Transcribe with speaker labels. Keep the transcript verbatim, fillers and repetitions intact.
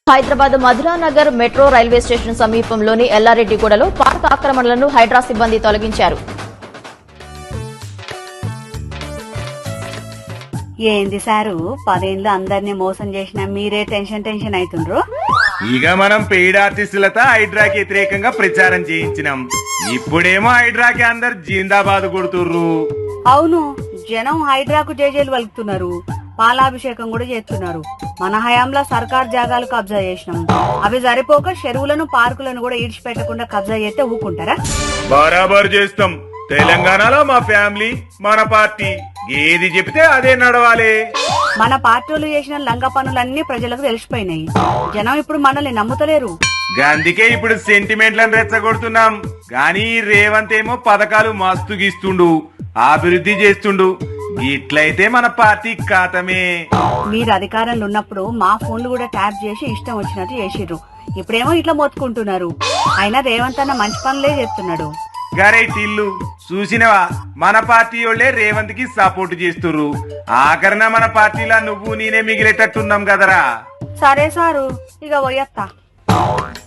Speaker 1: Hyderabad Madhuranagar metro railway station సమీపంలోని ఎల్లారెడ్డిగూడలో park ఆక్రమణలను Hydraa సిబ్బంది తొలగించారు.
Speaker 2: ఏంది సారు పదేళ్ళు అందరినీ మోసం చేసిన మీరే టెన్షన్ టెన్షన్ అవుతుండ్రు.
Speaker 3: ఇక మనం పెయిడ్ ఆర్టిస్టులతో హైడ్రాకి వ్యతిరేకంగా ప్రచారం చేయించినాం. ఇప్పుడేమో హైడ్రాకి అందరు జిందాబాద్ కొడుతుర్రు.
Speaker 2: అవును, జనం హైడ్రాకు జేజేలు వలుకుతున్నారు, పాలాభిషేకం కూడా చేస్తున్నారు. మన హయాంలో సర్కార్ జాగాలు కబ్జా చేసినాం. అవి సరిపోక చెరువులను పార్కులను కూడా ఈడ్చిపెట్టకుండా కబ్జా చేస్తే ఊకుంటారా?
Speaker 3: బరాబర్ చేస్తాం. తెలంగాణలో మా ఫ్యామిలీ మన పార్టీ ఏది చెప్తే అదే నడవాలి.
Speaker 2: మన పార్టీలు చేసిన లంగ పనులన్నీ ప్రజలకు తెలిసిపోయినాయి. జనం ఇప్పుడు మనల్ని నమ్ముతలేరు.
Speaker 3: అందుకే ఇప్పుడు సెంటిమెంట్లను రెచ్చగొడుతున్నాం. గానీ రేవంత్ ఏమో పథకాలు మస్తు గీస్తుండు, అభివృద్ధి చేస్తుండు. ఇట్లయితే మన పార్టీ ఖాతమే.
Speaker 2: మీరు అధికారంలో ఉన్నప్పుడు మా ఫోన్లు కూడా ట్యాప్ చేసి ఇష్టం వచ్చినట్టు చేసిర్రు. ఇప్పుడేమో ఇట్లా మొత్తుకుంటున్నారు. అయినా రేవంత్ అన్న మంచి పనులే చేస్తున్నాడు.
Speaker 3: గరే టిల్లు చూసినవా, మన పార్టీ వాళ్ళే రేవంత్ కి సపోర్ట్ చేస్తుర్రు. ఆఖరణ మన పార్టీలా నువ్వు నేనే మిగిలేటట్టున్నాం కదరా.
Speaker 2: సరే సారు, ఇక పోయత్తా.